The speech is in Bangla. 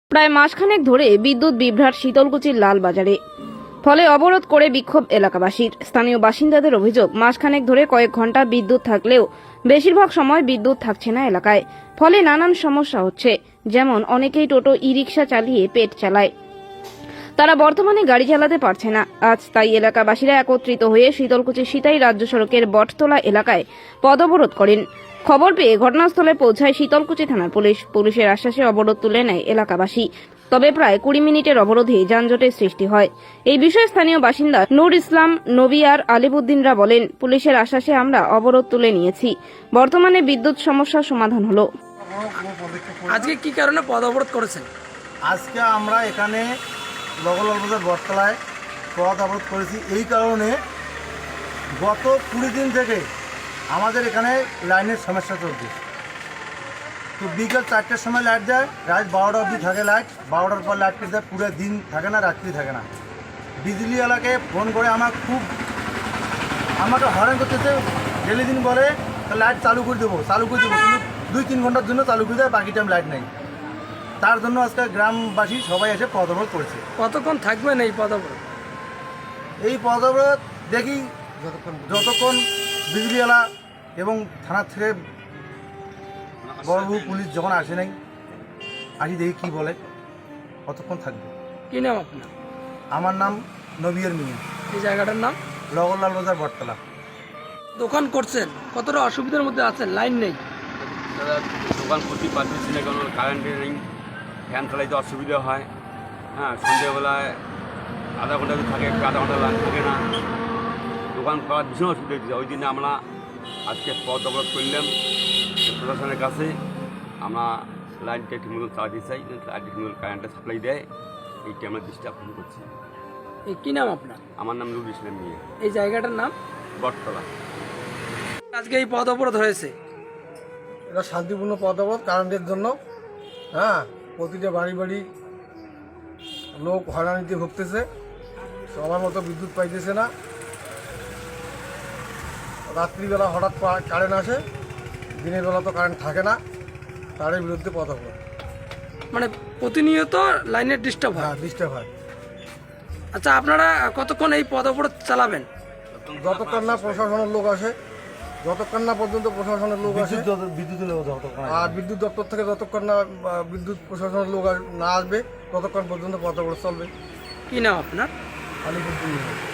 প্রায় মাসখানেক ধরে বিদ্যুৎ বিভ্রাট শীতলকুচির লালবাজারে, ফলে অবরোধ করে বিক্ষোভ এলাকাবাসীর। স্থানীয় বাসিন্দাদের অভিযোগ, মাসখানেক ধরে কয়েক ঘন্টা বিদ্যুৎ থাকলেও বেশিরভাগ সময় বিদ্যুৎ থাকছে না এলাকায়, ফলে নানান সমস্যা হচ্ছে। যেমন অনেকেই টোটো ই রিক্সা চালিয়ে পেট চালায়, তারা বর্তমানে গাড়ি চালাতে পারছে না। আজ তাই এলাকাবাসীরা একত্রিত হয়ে শীতলকুচি সিতাই রাজ্য সড়কের বটতলা এলাকায় পদঅবরোধ করেন। খবর পেয়ে ঘটনাস্থলে পৌঁছায় শীতলকুচি থানার পুলিশ। পুলিশের আশ্বাসে অবরোধ তুলে নেয় এলাকাবাসী। তবে প্রায় 20 মিনিটের অবরোধে যানজটের সৃষ্টি হয়। এই বিষয়ে স্থানীয় বাসিন্দা নূর ইসলাম নবী আর আলিবুদ্দিনরা বলেন, পুলিশের আশ্বাসে আমরা অবরোধ তুলে নিয়েছি। বর্তমানে বিদ্যুৎ সমস্যার সমাধান হলো। আজকে কি কারণে পদ অবরোধ করেছেন? আজকে আমরা এখানে লগলালবাজার বটতলায় পথ অবরোধ করেছি এই কারণে, গত 20 দিন থেকে আমাদের এখানে লাইনের সমস্যা চলছে। তো বিকেল 4টার সময় লাইট যায়, রাত 12টা অবধি থাকে লাইট, 12টার পর লাইট কেটে যায়, পুরো দিন থাকে না, রাত্রি থাকে না। বিজলি এলাকায় ফোন করে আমাকে হয়রান করতেছে। ডেলি দিন বলে লাইট চালু করে দেবো কিন্তু 2-3 ঘন্টার জন্য চালু করে দেয়, বাকি টাইম লাইট নেই। তার জন্য আজকে গ্রামবাসী সবাই এসে পথ অবরোধ করেছে। কতক্ষণ থাকবেন এই পদ অবরোধ? এই পথ অবরোধ দেখি যতক্ষণ বিজলিওয়ালা এবং থানার থেকে বড়বাবু পুলিশ যখন আসে নাই, আসি দেখি কি বলে, কতক্ষণ থাকবে। কি নাম আপনার? আমার নাম নবীর মিয়া। এই জায়গাটার নাম লগলালবাজার বটতলা। দোকান করছেন, কতটা অসুবিধার মধ্যে আছেন? লাইন নেই। দাদা, দোকান করতে পারতেছি না, কারণ কারেন্টে নেই, ফ্যান চালাইতে অসুবিধা হয়। হ্যাঁ, সন্ধ্যেবেলায় আধা ঘন্টা থাকে, আধা ঘন্টা লাইন থাকে না, দোকান করার ভীষণ অসুবিধা হচ্ছে। ওই জন্য আমরা আজকে পথ অবরোধ করলাম প্রশাসনের কাছে। আমরা লাইনটা ঠিকমতো চালাতে চাই, লাইনটা ঠিকমতো কারেন্টটা সাপ্লাই দেয়, এইটা আমরা দৃষ্টি আকর্ষণ করছি। এই কি নাম আপনার? আমার নাম নুর ইসলাম মিয়া। এই জায়গাটার নাম বটতলা। আজকে এই পদ অবরোধ হয়েছে, এটা শান্তিপূর্ণ পথ অবরোধ কারেন্টের জন্য। হ্যাঁ, প্রতিটা বাড়ি বাড়ি লোক হয়রানিতে ভুগতেছে, সবার মতো বিদ্যুৎ পাইতেছে না। রাত্রিবেলা হঠাৎ কারেন্ট আসে, দিনের বেলা তো কারেন্ট থাকে না, তার বিরুদ্ধে পথ অবরোধ। মানে প্রতিনিয়ত লাইনের ডিস্টার্ব হয়। হ্যাঁ, ডিস্টার্ব হয়। আচ্ছা, আপনারা কতক্ষণ এই পদ অবরোধ চালাবেন? যতক্ষণ না প্রশাসনের লোক আসে, যতক্ষণ না পর্যন্ত প্রশাসনের লোক আসে, আর বিদ্যুৎ দপ্তর থেকে যতক্ষণ না বিদ্যুৎ প্রশাসনের লোক না আসবে, ততক্ষণ পর্যন্ত পথ অবরোধ চলবে। কি নাম আপনার? আলিপুর।